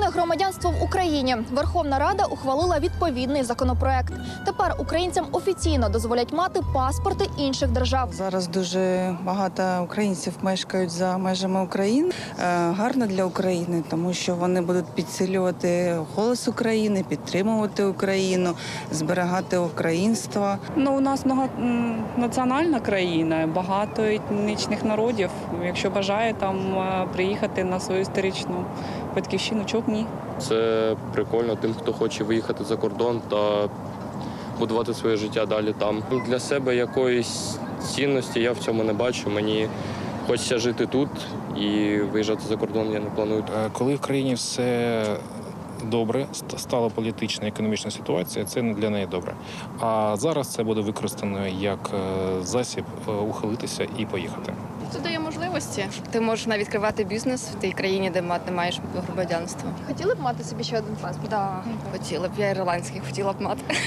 громадянство в Україні. Верховна Рада ухвалила відповідний законопроект. Тепер українцям офіційно дозволять мати паспорти інших держав. Зараз дуже багато українців мешкають за межами України. Гарно для України, тому що вони будуть підсилювати голос України, підтримувати Україну, зберігати українство. У нас національна країна, багато етнічних народів. Якщо бажає там приїхати на свою історичну батьківщину, чому б ні? Це прикольно тим, хто хоче виїхати за кордон та будувати своє життя далі там. Для себе якоїсь цінності я в цьому не бачу. Мені хочеться жити тут і виїжджати за кордон я не планую. Коли в країні все добре, стала політична і економічна ситуація, це не для неї добре. А зараз це буде використано як засіб ухилитися і поїхати. Це дає можливості. Ти можеш навіть відкривати бізнес в тій країні, де не маєш громадянства. Хотіли б мати собі ще один паспорт? Так, хотіла б. Я ірландський хотіла б мати.